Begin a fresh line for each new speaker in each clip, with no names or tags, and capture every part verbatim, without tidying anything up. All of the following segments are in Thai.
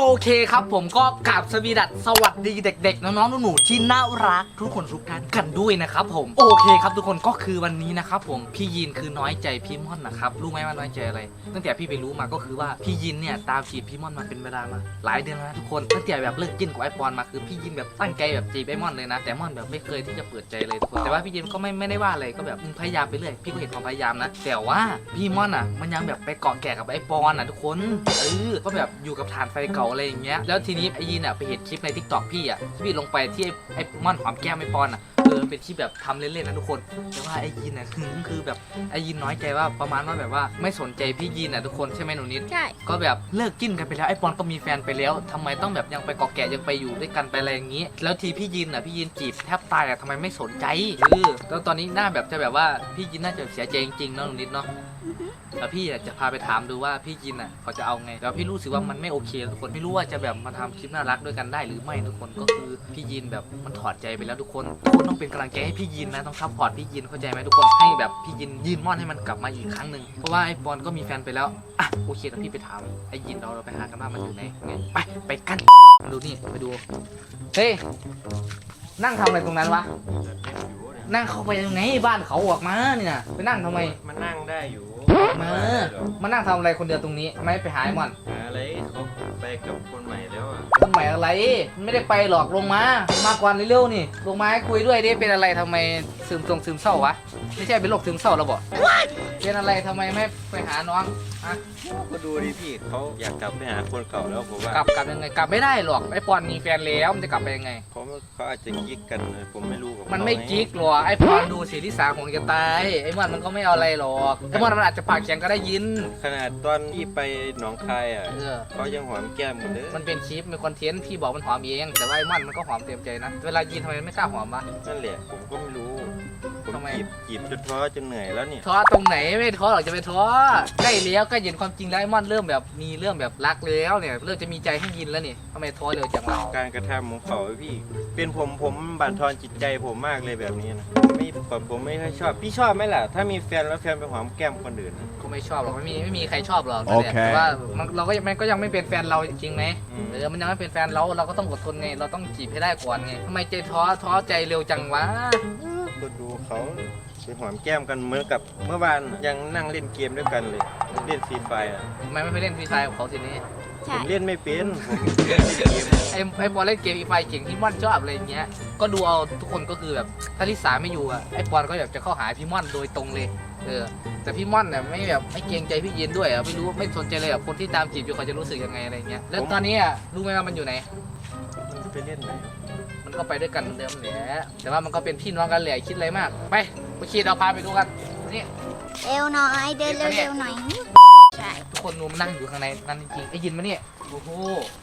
เคครับผมก็กราบสวีดัสสวัสดีเด็กๆน้องๆหนูๆที่น่ารักทุกคนทุกท่านกันด้วยนะครับผมโอเคครับทุกคนก็คือวันนี้นะครับผมพี่ยินคือน้อยใจพี่ม่อนนะครับรู้ไหมว่าน้อยใจอะไรตั้งแต่พี่ไปรู้มาก็คือว่าพี่ยินเนี่ยตามจีบพี่ม่อนมาเป็นเวลามาหลายเดือนแล้วนะทุกคนตั้งแต่แบบเลิกกินกับไอปอนมาคือพี่ยินแบบตั้งใจแบบจีบไอม่อนเลยนะแต่ม่อนแบบไม่เคยที่จะเปิดใจเลยทุกคนแต่ว่าพี่ยินก็ไม่ไม่ได้ว่าอะไรก็แบบพยายามไปเรื่อยพี่ก็เห็นความพยายามนะแต่ว่าพี่ม่อนอ่ะมันยังแบบไปเกาะแก่กับไอปอนอ่ะทุกคนเออก็แบบอยู่กับฐานไฟเก่าอะไรอย่างเงี้ยแล้วทีนี้ไอยินอ่ะไปเห็นคลิปในทิกตอกพี่อ่ะที่พี่ลงไปที่ไอม่อนหอมแก้มไอปอนอ่ะเออเป็นที่แบบทำเล่นๆนะทุกคนแต่ว่าไอยินอ่ะคือคือแบบไอยินน้อยใจว่าประมาณว่าแบบว่าไม่สนใจพี่ยินอ่ะทุกคนใช่ไหมหนูนิด
ใช่
ก็แบบเลิกจิ้นกันไปแล้วไอปอนก็มีแฟนไปแล้วทำไมต้องแบบยังไปเกาะแก่ยังไปอยู่ด้วยกันไปอะไรอย่างงี้แล้วทีพี่ยินอ่ะพี่ยินจีบแทบตายอ่ะทำไมไม่สนใจเออแล้วตอนนี้หน้าแบบจะแบบว่าพี่ยินน่าจะเสียใจจริงๆเนาะหนูนิดเนาะแล้วพี่จะพาไปถามดูว่าพี่ยินอ่ะเขาจะเอาไงแล้วพี่รู้สึกว่ามันไม่โอเคทุกคนไม่รู้ว่าจะแบบมาทำคลิปน่ารักด้วยกันได้หรือไม่ทุกคนก็คือพี่ยินแบบมันถอดใจไปแล้วทุกคนทุกคนต้องเป็นกำลังใจให้พี่ยินนะต้องซัพพอร์ตพี่ยินเข้าใจไหมทุกคนให้แบบพี่ยินยืนม่อนให้มันกลับมาอีกครั้งหนึ่งเพราะว่าไอ้บอลก็มีแฟนไปแล้วอ่ะโอเคแล้วพี่ไปถามไอ้ยินเราเราไปหากันว่ามันอยู่ไหนไงไปไปกันดูนี่ไปดูเฮ้ยนั่งทำอะไรตรงนั้นวะนั่งเข้าไปยังไงบ้านเขาออกมานี่นะไปนั่งทำไม
มันนั่งได้อยู่
มามานั่งทำอะไรคนเดียวตรงนี้ไม่ไปหาไอ้มัน
หาอะไรเขาไปกับคนใหม่แล้วอ่ะ
คนใหม่อะไรไม่ได้ไปหรอกลงมามาก่อนเร็วๆนี่ลงมาให้คุยด้วยดิเป็นอะไรทำไมซึมตรงซึมเศร้าวะไม่ใช่เป็นโรคซึมเศร้าแล้วบอกเป็นอะไรทำไมไม่ไปหาน้องอะ
ก็ดูดิพี่เขาอยากกลับไปหาคนเก่าแล้วผมว่าก
ลับกลับยังไงกลับไม่ได้หรอกไอ้ปอนมีแฟนแล้วมันจะกลับไปยังไง
เขาเขาอาจจะกิ๊กกันผมไม่รู้กับ
มันไม่กิ๊กหรอกไอ้ปอนดูสีที่สาของจะตายไอ้มันมันก็ไม่เอาอะไรหรอกไอ้มันมันอาจจะปากแข็งก็ได้ยิน
ขนาดตอนที่ไปหนองคายอ่ะเขายังหอมแก้มกันเลย
มันเป็นคลิปเป็นคอนเทนต์พี่บอกมันหอมเองแต่ว่าไอ้มันมันก็หอมเต็มใจนะเวลายินทำไมไม่กล้าหอมวะ
นั่นแหละผมก็ไม่รู้ผมจีบจีบจนท้อจนเหนื่อยแล้วเนี่ย
ท้อตรงไหนไม่ท้อหรอกจะไปท้อใกล้แล้วก็เห็นความจริงแล้วไอ้มันเริ่มแบบมีเรื่องแบบรักแล้วเนี่ยเริ่มจะมีใจให้ยินแล้วนี่ทำไมท้อเร็วจังวะ
การกระทำของเขาพี่เป็นผมผมบั่นทอนจิตใจผมมากเลยแบบนี้นะไม่ก่อนผมไม่ค่อยชอบพี่ชอบไหมล่ะถ้ามีแฟนแล้วแฟนไปหอมแก้มคนอื่น
ก็ไม่ชอบหรอกไม่มีไม่มีใครชอบหรอกแต่ว่าเราก็มันก็ยังไม่เป็นแฟนเราจริงไหมเออมันยังไม่เป็นแฟนเราเราก็ต้องอดทนไงเราต้องจีบให้ได้ก่อนไงทำไมใจท้อท้อใจเร็วจังวะ
ก็ดูเขาไปหอมแก้มกันเหมือนกับเมื่อวานยังนั่งเล่นเกมด้วยกันเลยเล่นฟรีไฟอ่ะ
ทำไมไม่ไปเล่นฟรีไฟกับเขาทีนี้
ผมเล่นไม่เป็นผม
ไอ้ไอ้บอลเล่นเกมฟรีไฟเก่งที่ม่อนชอบอะไรอย่างเงี้ยก็ดูเอาทุกคนก็คือแบบถ้าลิสาไม่อยู่อ่ะไอ้บอลก็อยากจะเข้าหาพี่ม่อนโดยตรงเลยเออแต่พี่ม่อนเนี่ยไม่แบบไม่เกรงใจพี่ยินด้วยอ่ะไม่รู้ไม่สนใจเลยอ่ะคนที่ตามจีบอยู่เขาจะรู้สึกยังไงอะไรเงี้ยแล้วตอนนี้อ่ะรู้ไหมว่ามันอยู่ไหน
ไปเล่นไหน
มันก็ไปด้วยกันเหมือนเดิมแหละแต่ว่ามันก็เป็นพี่น้องกันแหละคิดอะไรมากไปไปขี่เราพาไปดูกันนี่
เร็วหน่อยเดินเร็วๆหน่อยใช่
ทุกคนนูมนั่งอยู่ข้างในนั่นจริงไอ้ยินมาเนี่ยโอ้โห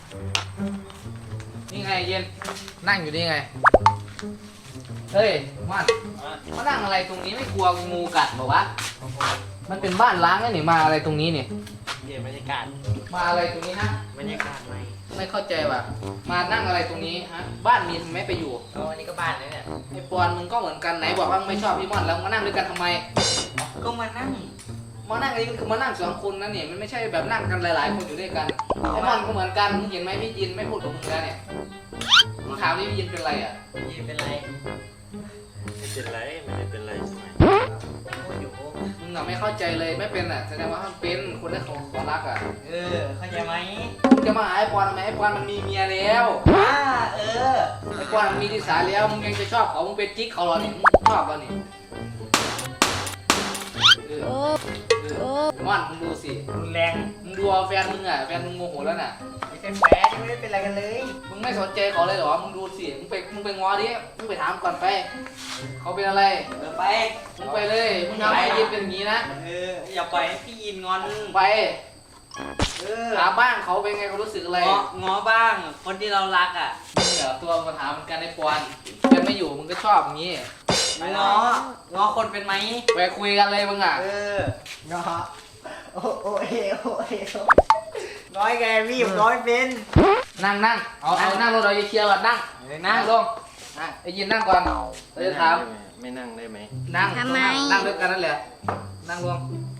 นี่ไงเย็นนั่งอยู่นี่ไงเฮ้ยมันมานั่งอะไรตรงนี้ไม่กลัวงูกัดบอกวะมันเป็นบ้านล้างนะนี่มาอะไรตรงนี้นี่
เย็นบรรยากาศ
มาอะไรตรงนี้นะ
บรรยากาศไหม
ไม่เข้าใจว่ะมานั่งอะไรตรงนี้ฮะบ้านมีทำไมไปอยู่
อ๋ออันนี้ก็บ้านเลยเนี่ย
ไอ้ปอนมึงก็เหมือนกันไหนบอกว่าไม่ชอบพี่ม่อนแล้วมานั่งด้วยกันทำไม
ก็มานั่ง
มานั่งอันนี้มันคือมานั่งสองคนนะเนี่ยมันไม่ใช่แบบนั่งกันหลายๆคนอยู่ด้วยกันไอ้ม่อนก็เหมือนกันมึงเห็นไหมพี่ยินไม่พูดกับมึงแล้วเนี่ยมึงถามนี่พี่ยินเป็นไรอ่ะ
ยินเป็นไรไม่เป็นไรไม่ได้เป็นไรใช่ไหม
มึงน่ะไม่เข้าใจเลยไม่เป็นอ่ะแสดงว่ามันเป็นคนที่เขาขอรักอ่ะ
เออเข้าใจไหม
มึงจะมาหาไอ้ปอนทำไมไอ้ปอนมันมีเมียแล้ว
อ่าเออ
ไอ้ปอนมันมีที่สาแล้วมึงยังจะชอบเขามึงเป็นกิ๊กเขาหรอเนี่ยมึงชอบเขาเนี่ย
โอ้โอ้
ม่อนมึงดูสิ
มึงแรง
มึงดูเอาแฟนมึงอ่ะแฟนมึงโมโหแล้วน่ะ
ไม่ใช่แฟนไม่ได้เป็นอะไรกันเลย
มึงไม่สนใจเขาเลยเหรอมึงดูสิมึงไปมึงไปง้อดิมึงไปถามก่อนไปเขาเป็นอะไร
เออไป
มึงไปเลยมึงทำให้ยินเป็นอย่างนี้นะ
เอออย่าปล่อยให้พี่ยินงอน
ไป
เออ
ถามบ้างเขาเป็นไงเขารู้สึกอะไร
ง้อบ้างคนที่เรารักอ่ะ
มึงเหรอตัวมาถามเหมือนกันไอ้ปอนแฟนไม่อยู่มึงก็ชอบอย่างนี้
ง้อง้อคนเป็นไหม
ไปคุยกันเลยมึงอ่ะ
เออง้อโอ้โอเอโอเอน้อยแกพี่ผมน้อยเป็น
นั่งนั่งเอาเอานั่งลงเราจะเคลียร์ก่อนนั่งนั่งลงไอ้ยินนั่งก่อนเราจะถาม
ไม่นั่งได้ไหม
นั่งทำไมนั่งด้วยกันนั่นแหละนั่งลง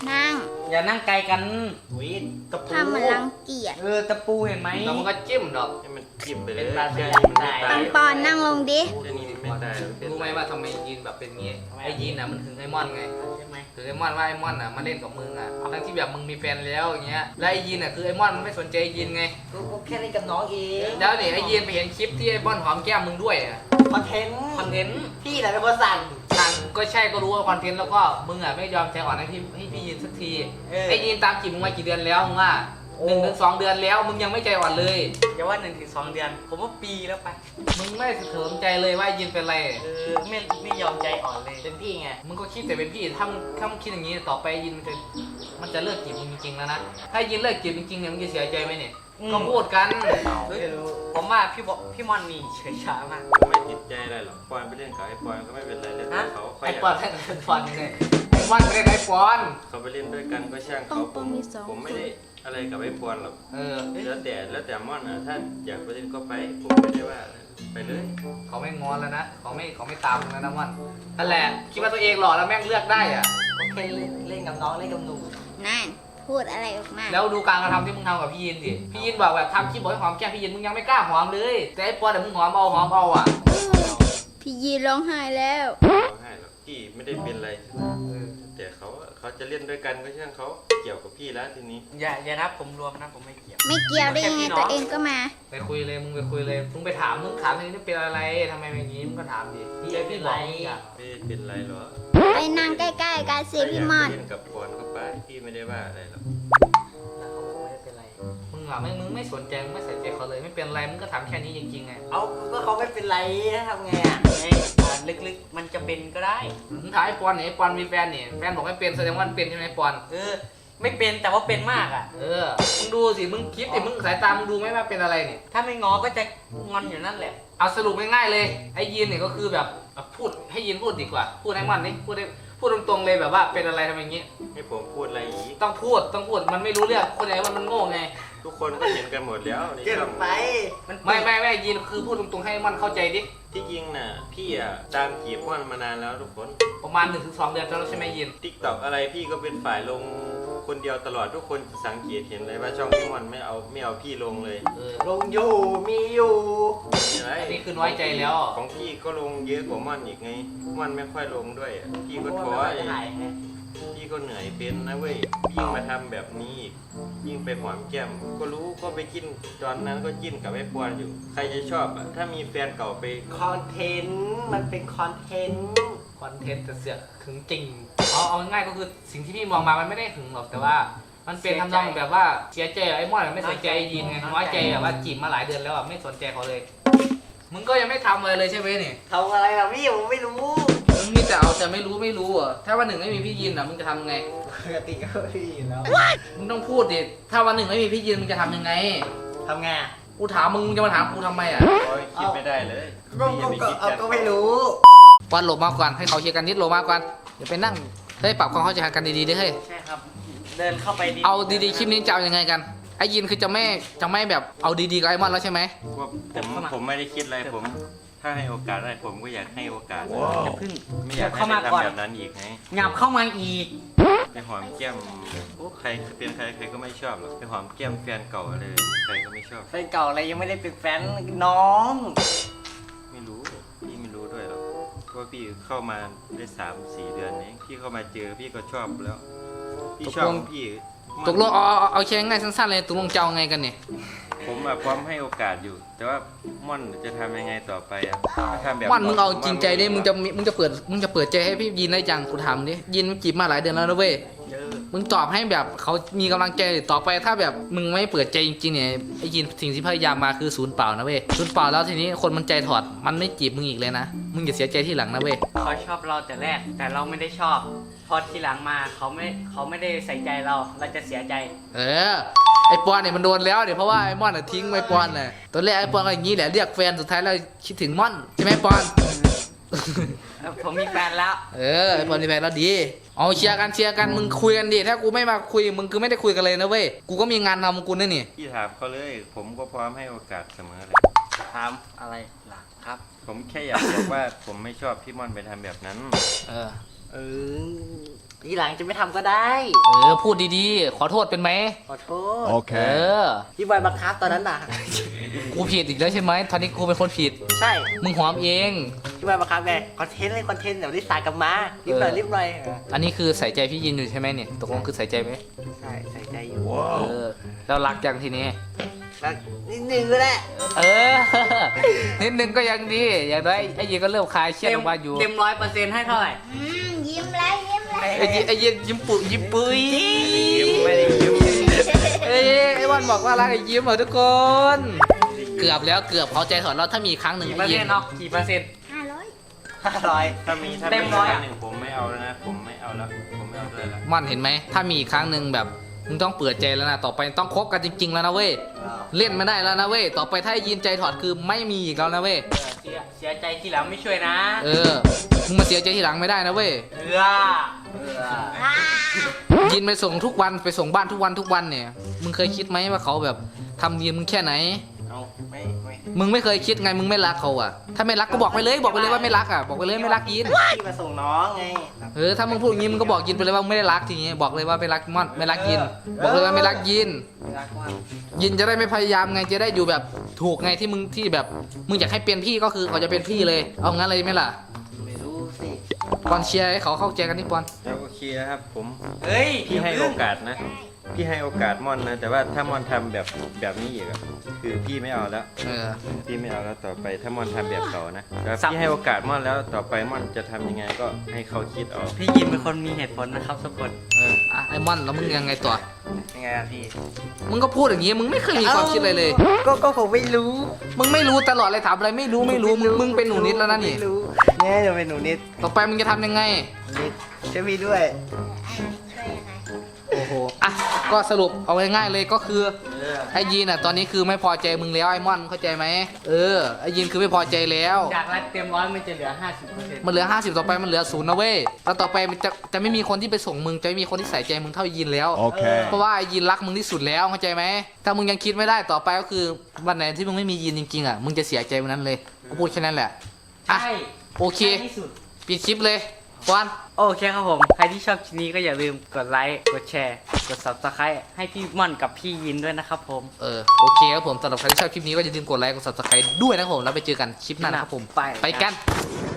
นั่ง
อย่านั่งไกลกันวิตะปู
ทำมันรังเกียจ
เออตะปูเห็นไหมแล้วมันก็จิ้มดอก
ให้มันจิ้มไปเลย
เป็นปลา
แค่
สลิด
นี้มันไม่
ปั
ตาย
งปอนนั่งลงดิ
แค่นี้มันไม่ตายเป็น
รู้ไหมว่าทำไมยีนแบบเป็นงี้ไอ้ยีนอ่ะมันถึงไอ้มอนไงใช่ไหมถึงไอ้มอนว่าไอ้มอนอ่ะมาเล่นกับมึงอ่ะทั้งที่แบบมึงมีแฟนแล้วอย่างเงี้ยแล้วไอ้ยีนอ่ะคือไอ้มอนมันไม่สนใจไอ้ยีนไง
กูแค่เล่นกับน้องเอง
แล้วเนี่ยไอ้ยีนไปเห็นคลิปที่ไอ้มอนหอมแก้มมึงด้วยอ่ะ
คอนเทนต์
คอนเทนต์
พี่แหละเป็นคนสั่ง
สั่งก็ใช่ก็รู้ว่าคอนเทนต์แล้วก็มึงอ่ะไม่ยอมใจอ่อนให้พี่ให้พี่ยีนสักทีไอ้ยีนตามจีบมึงมากี่เดือนแล้วมึงว่าหนึ่งถึงสองเดือนแล้วมึงยังไม่ใจอ่อนเลย
อย่าว่าหนึ่งถึงสองเดือน ผมว่าปีแล้วไป
มึงไม่สนใจเลยว่ายีนเป็นไร
เออไม่ไม่ยอมใจอ่อนเลย เป็นพี่ไง
มึงก็คิดแต่เป็นพี่ถ้ามึงถ้ามึงคิดอย่างนี้ต่อไปยินมันจะมันจะเลิกจีบมึงจริงๆแล้วนะถ้ายินเลิกจีบจริงๆเนี่ยมึงจะเสียใจไหมเนี่ยก็พูดกัน
เฮ้ยผมว่าพี่บอกพี่มอนนี่เฉยช้ามาก
ไม่ติดใจอะไรหรอกปอนไปเล่นกับไอ้ปอนก็ไม่เป็นไรเล่นกับเขาเขา
ไอ้
อยาก
ปอนให้ไอ้ปอนไงไอ้ปอนไม่ได้ไอ้ปอน
เขาไปเล่นด้วยกันก็ช่างเขาผมผมไม่ได้อะไรกับไอ้ปอนหรอก
เออ
แล้วแต่แล้วแต่ม่อนอ่ะถ้าอยากไปเล่นก็ไปผมไม่ได้ว่าอะไรไปเลย
เขาไม่งอนแล้วนะเขาไม่เขาไม่ตามมึงแล้วนะมันนั่นแหละคิดว่าตัวเองหล่อแล้วแม่งเลือกได้อะ
ก็แค่เล่นเล่นกับน้องเล่นกับหนู
นั่นพูดอะไรออกมา
แล้วดูการกระทำที่มึงทำกับพี่ยินดิพี่ยินบอกแบบทำคลิปบอกให้หอมแก้มพี่ยินมึงยังไม่กล้าหอมเลยแต่ไอ้ปอนแต่มึงหอมเอาหอมเอาอ่ะ
พี่ยีร้องไห้แล้ว
เขาให้หรอกพี่ไม่ได้เป็นอะไรแต่เขาเขาจะเล่นด้วยกันก็ช่างเขาเกี่ยวกับพี่แล้วทีนี้
อย่าอย่านับผมรวมนะผมไม่เกี่ยว
ไม่เกี่ยวได้ยังไงตัวเองก็มา
ไปคุยเลยมึงไปคุยเลยมึงไปถามมึงถามทีนี้เป็นอะไรทำไมเป็นอย่างนี้มึงก็ถามดิพี่ไอ้พี่บอกมึงอ่ะ
ไม่ได้เป็นไรหรอ
ไปนั่งใกล้ๆกันสิพี่มอน
เล่นกับปอนก็ไปพี่ไม่ได้ว่าอะไรหรอก
แล้วเขาบอกไม่ได้เป็นไร
มึงอ่ะไม่มึงไม่สนใจมึงไม่ใส่ใจเขาเลยไม่เป็นไรมึงก็ถามแค่นี้จริงๆไง
เอาก็เขาไม่เป็นไรทำไงอ่ะไงอ่าลึกๆมันจะเป็นก็ได้
มึงถามไอ้ปอนเนี่ยไอ้ปอนมีแฟนเนี่ยแฟนบอกให้เป็นแสดงว่ามันเป็นใช่ไหมไอ้ปอน
เออ ไม่เป็นแต่ว่าเป็นมากอ่ะ
เออมึงดูสิมึงคิดดิมึงสายตามึงดูไหมว่าเป็นอะไรเนี่ย
ถ้าไม่งอก็จะงอนอยู่นั่นแหละ
เอาสรุปง่ายๆเลยไอ้ยีนเนี่ยก็คือแบบพูดให้ยีนพูดดีกว่าพูดให้มันนี่พูดให้พูดตรงๆเลยแบบว่าเป็นอะไรทำไมอย่างงี้
ให้ผมพูดอะไรอีก
ต้องพูดต้องพูดมันไม่รู้เรื่องคนไหนว่ามันโง่ไง
ทุกคนก็เห็นกันหมดแล้วในช่อง
มัน
ไม่ไม่ไม่ยีนคือพูดตรงๆให้มันเข้าใจดิ
ที่จริงน่ะพี่อ่ะตามจีบม่อนมานานแล้วทุกคน
ประมาณหนึ่งถึงสองเดือนแล้วใช่ไหมยีน
ทิกตอกอะไรพี่ก็เป็นฝ่ายลงคนเดียวตลอดทุกคนสังเกตเห็นเลยว่าช่องพี่ม่อนไม่เอาไม่เอาพี่ลงเลย
เออ
ลงอยู่มีอยู่
มีอะไร
อันนี้คือน้อยใจแล้ว
ของพี่ก็ลงเยอะกว่าม่อนอีกไงม่อนไม่ค่อยลงด้วยอะพี่ก็ท้อ
จะถ่ายไง
พี่ก็เหนื่อยเป็นนะเว้ยยิ่งมาทำแบบนี้อีกยิ่งไปหอมแก้มก็รู้ก็ไปกินตอนนั้นก็จิ้นกับไอ้ปอนอยู่ ใครจะชอบอ่ะถ้ามีแฟนเก่าไป
คอนเทนต์มันเป็นคอนเทนต์
คอนเทนต์จะเสือกหึงจริงเอาเอาง่ายๆก็คือสิ่งที่พี่มองมามันไม่ได้หึงหรอกแต่ว่า มันเป็นทำนองแบบว่าเสียใจไอ้มอนไม่สนใจไอ้ยีนไงน้อยใจแบบว่าจีบมาหลายเดือนแล้วอ่ะไม่สนใจเขาเลย มึงก็ยังไม่ทำอะไรเลยใช่ไหมนี่
ทำอะไรล่ะพี่ผมไม่รู้
มึงมีแต่เอาแต่ไม่รู้ไม่รู้อ่ะถ้าวันหนึ่งไม่มีพี่ยีนอ่ะมึงจะทำไง
ปกติก็พี่แล้ว
มึงต้องพูดดิถ้าวันหนึ่งไม่มีพี่ยีนมึงจะทำยังไง
ทำไงอ่ะ
กูถามมึงมึงจะมาถามกูทำไมอ่ะ
โอ้ยคิดไม่ได้เลย
ก็
พี่อย่าไป
ก็
คิด
เอา
กัน
ก็ไม่รู้
วันหลบมาก่อนให้เขาเคลียร์กันนิดหลบมาก่อนอย่าไปนั่งเฮ้ยปรับความเข้าใจกันดีๆดิเฮ้ย
ใช่ครับ เดินเข้าไปดี
เอาดีๆคลิปนี้จะเอายังไงกันไอ้ยีนคือจะไม่จะไม่แบบเอาดีๆกับไอ้มอนแล้วใช่ไหม
ว่าผมผมไม่ได้คิดอะไรผม ถ้าให้โอกาสได้ผมก็อยากให้โอกาส
อย่าพึ่ง
ไม่อยากให้
เข้า
ไป
มาก่อน
ทำแบบนั้นอีกไง
หยับเข้ามาอีก
ไปหอมแก้มโอ้ใครเป็นใครใครก็ไม่ชอบหรอกไปหอมแก้มแฟนเก่าอะไรใครก็ไม่ชอบ
แฟนเก่าอะไรยังไม่ได้เป็นแฟนน้อง
ไม่รู้พี่ไม่รู้ด้วยหรอกเพราะว่าพี่เข้ามาได้สามสี่เดือนเองพี่เข้ามาเจอพี่ก็ชอบแล้ว พี่ชอบพี่
ตกลงเอาเอาเอาแค่ง่ายสั้นๆเลยตกลงจะเอาไงกันเนี่ย
ผมอะพร้อมให้โอกาสอยู่ แต่ว่าม่อนจะทำยังไงต่อไปอะถ้าทำแบบ
มอนมึงเอาจริงใจดิมึงจะมึงจะเปิดมึงจะเปิดใจให้พี่ยีนได้จังกูถามดิยีนมันจีบมาหลายเดือนแล้วนะเว้ย
เยอะ
มึงตอบให้แบบเขามีกำลังใจต่อไปถ้าแบบมึงไม่เปิดใจจริงๆเนี่ยไอ้ยีนสิ่งที่พยายามมาคือศูนย์เปล่านะเว้ยศูนย์เปล่าแล้วทีนี้คนมันใจถอดมันไม่จีบมึงอีกเลยนะมึงอย่าเสียใจที่หลังนะเว้ย
เขาชอบเราแต่แรก แต่เราไม่ได้ชอบ พอทีหลังมาเขาไม่เขาไม่ได้ใส่ใจเรา เราจะเสียใจ
เออไอปอนเนี่ยมันโดนแล้วเดี๋ยวเพราะว่าไอมอนน่ะทิ้งไอปอนน่ะตอนแรกไอปอนก็อย่างนี้แหละเรียกแฟนสุดท้ายแล้วคิดถึงมอนใช่ไหมปอน
ผมมีแฟนแล้ว
เออไอปอนมีแฟนแล้วดีเอาเชียร์กันเชียร์กันมึงคุยกันดิถ้ากูไม่มาคุยมึงคือไม่ได้คุยกันเลยนะเว้ยกูก็มีงานทำกูนั่นนี่
พี่ถามเขาเลย ผมก็พร้อมให้โอกาสเสมอเลย
ถามอะไรล่ะครับ
ผมแค่อยากบอกว่าผมไม่ชอบพี่ม่อนไปทำแบบนั้น
เออ
เออทีหลังจะไม่ทำก็ได้
เออพูดดีๆขอโทษเป็นไหม
ขอโทษ
เอ
Okay.
อ
พี่บอยบังคับตอนนั้นน่ะ
กูผิดอีกแล้วใช่ไหมตอนนี้กูเป็นคนผิด
ใช่
มึงหอมเอง
พี่บอยบังคับไงคอนเทนต์เลยคอนเทนต์เดี๋ยวรีบสายกลับมารีบหน่อยรีบหน่อย
อันนี้คือใส่ใจพี่ยินอยู่ใช่ไหมเนี่ยตกลงคือใส่ใจไหม
ใช่ใส่ใจอยู่
เออแล้วรักยังทีนี้
แล้วนิดนึงก็ได้
เออ นิดนึงก็ยังดีอย่างน้อยไอ้ยินก็เริ่มคลายเครียดออกมาอยู่
เต็มร้อยเปอร์เซ็นต์ให้เท่าไหร่
อืมยิ้มเลยยิ้มเลย
ไอ้ยินไอ้ยินยิ้มปุยยิ้มปุย
ยิ้มไม่ได้ยิ้ม
เอ้ยไอ้วันบอกว่ารักไอ้ยิ้มเหรอทุกคน เกือบแล้วเกือบเขาใจถอนเราถ้ามีอีกครั้งหนึ่ง
กี่เปอ
ไอ้
ร์
ยิ
เซ็น
น
ต์เนาะกี่เปอร์เซ็นต์
ห้าร้อย
ห้าร้อย
ถ้ามีถ้า
เต็
มี
มร้อย
ครั้
อะ
งหนึ่งผมไม่เอาแล้วนะ ผมไม่เอาแล้ว ผมไม่เอาด้วยละ
มันเห็นไหมถ้ามีอีกครั้งหนึ่งแบบมึงต้องเปิดใจแล้วนะต่อไปต้องคบกันจริง ๆ แล้วนะเว้ยเล่นไม่ได้แล้วนะเว้ยต่อไปถ้าไอ้ยินใจถอดคือไม่มีอีกแล้วนะเว้ย
เสียเสียใจทีหลังไม่ช่วยนะ
เออมึงมาเสียใจทีหลังไม่ได้นะเว้ย
เอือเอือ
อ่า
ยินไปส่งทุกวันไปส่งบ้านทุกวันทุกวันเนี่ยมึงเคยคิดไหมว่าเขาแบบทำดีมึงแค่ไหน
เอาไม่ไม่
มึงไม่เคยคิดไงมึงไม่รักเขาอ่ะถ้าไม่รักก็บอกไปเลยบอกไปเลยว่าไม่รักอ่ะบอกไปเลยไม่รักยิน
พี่มาส่งน้องไง
เออถ้ามึงพูดอย่างงี้มึงก็บอกยินไปเลยว่าไม่ได้รักทีนี้บอกเลยว่าไม่รักม่อนไม่รักยิน บอกเลยว่าไม่รักยิน
รักมาก
ยินจะได้ไม่พยายามไงจะได้อยู่แบบถูกไงที่มึงที่แบบมึงอยากให้เป็นพี่ก็คือเขาจะเป็นพี่เลย เอางั้นเลยไหมล่ะ
ไม่รู้สิ
ปอนเชียร์ให้เขาเข้าใจกันนี่ปอน
แล้วโอเคนะครับผม
เฮ้ย
พี่ให้โอกาสนะ พี่ให้โอกาสม่อนนะ แต่ว่าถ้าม่อนทำแบบแบบนี้อีกอะคือพี่ไม่เอาแล้ว
เออ
พี่ไม่เอาแล้วต่อไปถ้าม่อนทำแบบเขานะแล้วพี่ให้โอกาสม่อนแล้วต่อไปม่อนจะทำยังไงก็ให้เขาคิดเอา
พี่ยินเป็นคนมีเหตุผลนะครับทุกคน
เอออ่ะไอ้ม่อนแล้วมึงยังไงต่อ
ยังไงอะพี่
มึงก็พูดอย่างงี้มึงไม่เคยมีความคิดอะไรเลย
ก็ก็ผมไม่รู้
มึงไม่รู้ตลอดเลยถามอะไรไม่รู้ไม่รู้มึงมึงเป็นหนูนิดแล้วนะนี่
ไม่รู้แน่จะเป็นหนูนิด
ต่อไปมึงจะทำยังไง
นิดช่วยพี่ด้วย
ช่วยยังไง
โอ้โห อ่ะ ก็สรุปเอาง่ายๆเลยก็คือไอ้ยีนอ่ะตอนนี้คือไม่พอใจมึงแล้วไอ้ม่อนเข้าใจไหมเออ ไอ้ยีนคือไม่พอใจแล้ว
จากรักเต็มร้อยมันจะเหลือห้าสิบเปอร์เซ็นต์
มันเหลือห้าสิบต่อไปมันเหลือศูนย์นะเว้ย แล้วต่อไปมันจะจะไม่มีคนที่ไปส่งมึงจะไม่มีคนที่ใส่ใจมึงเท่าไอ้ยีนแล้ว
Okay.
เพราะว่าไอ้ยีนรักมึงที่สุดแล้วเข้าใจไหม ถ้ามึงยังคิดไม่ได้ต่อไปก็คือวันไหนที่มึงไม่มียีนจริงๆอ่ะ มึงจะเสียใจวันนั้นเลยกูพูดแค่นั้นแหละ อ่ะ
ใช่
โอเค
ใช่ที่สุด
ปิดคลิปเลยปอน
โอเคครับผม ใครที่ชอบคลิปนี้ก็อย่าลืมกดไลค์ กดแชร์ กด ซับสไครบ์ ให้พี่ม่อนกับพี่ยินด้วยนะครับผม
เออโอเคครับผมสำหรับใครที่ชอบคลิปนี้ก็อย่าลืมกดไลค์กด ซับสไครบ์ ด้วยนะครับผมแล้วไปเจอกันคลิปหน้านะครับผม
ไป
ไปกัน